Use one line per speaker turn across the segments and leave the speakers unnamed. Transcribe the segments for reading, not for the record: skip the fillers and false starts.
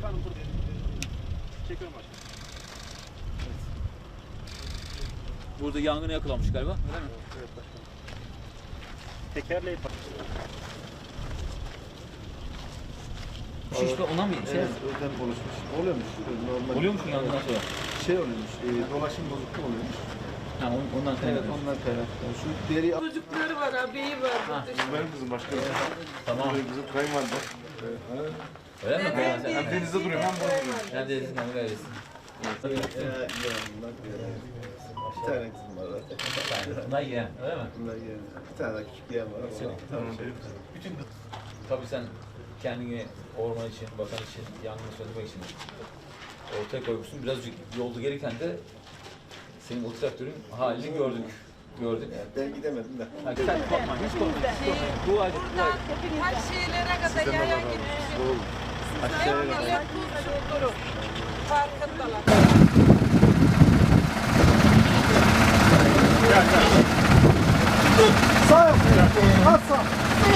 Efendim burada. Çekiyorum başkanım.
Evet. Burada yangına yakalanmış galiba, öyle mi?
Evet başkanım. Tekerleği
Şişme ona mı?
Evet, özel oluşmuş. Oluyormuş. Normal.
Oluyor mu yangından sonra?
Şey oluyormuş. Dolaşım bozukluğu oluyormuş.
Ha, ondan kaynaklı.
Evet, ondan kaynaklı. Şu deri...
Çocukları var, abiyi var.
Bu benim kızım başkanım.
Tamam.
Bu benim kızım kayınvalide.
Öyle mi?
Hem denizde duruyor hem burada duruyor.
Neredesin? Neredesin?
Bir tane kızım var zaten.
Bunlar yeğen, öyle mi?
Bunlar yeğen. Bir tane daha küçük yeğen var. Tamam.
Bütün tabii sen kendini orman için, bakan için, yangını söndürmek için ortaya koymuşsun. Birazcık yolda gelirken de senin o traktörün halini gördük.
Yani ben gidemedim de.
Hadi sen korkma, hiç korkma. Bu acı.
Buradan her şeylere kadar yaya gitmişim. Sizler millet kurşun durum. Farkındalar.
Sağ yap. Az sağ.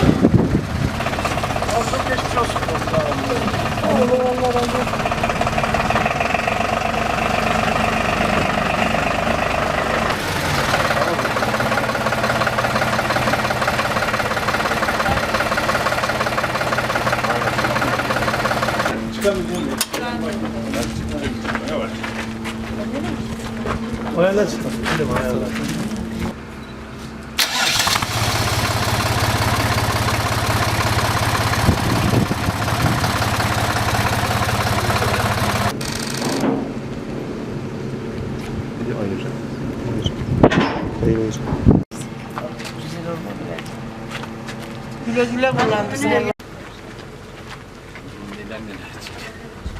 Az çok geçmiş olsun. Allah razı olsun. O yerden çıktı. Gidelim ayarlar.
Güle güle kullandırsın.
Neden neler çekiyor?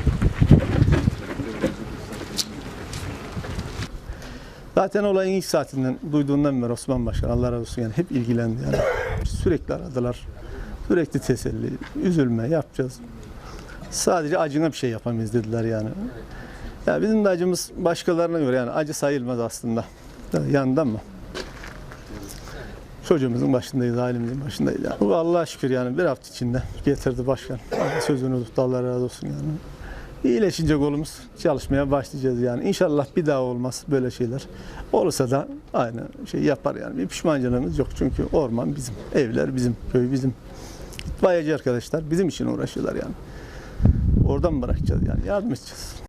Zaten olayın ilk saatinden duyduğundan beri Osman Başkan Allah razı olsun yani hep ilgilendi yani. Sürekli aradılar. Sürekli teselli, üzülme yapacağız. Sadece acına bir şey yapamayız dediler yani. Ya bizim de acımız başkalarına göre yani acı sayılmaz aslında. Yandan mı? Çocuğumuzun başındayız, ailemizin başındayız yani. Bu Allah'a şükür yani bir hafta içinde getirdi başkan. Sözünü tuttu Allah razı olsun yani. İyileşince kolumuz çalışmaya başlayacağız yani. İnşallah bir daha olmaz böyle şeyler. Olursa da aynı şey yapar yani. Bir pişmancılığımız yok çünkü orman bizim, evler bizim, köy bizim. İtfaiyeci arkadaşlar bizim için uğraşıyorlar yani. Oradan bırakacağız yani yardım edeceğiz.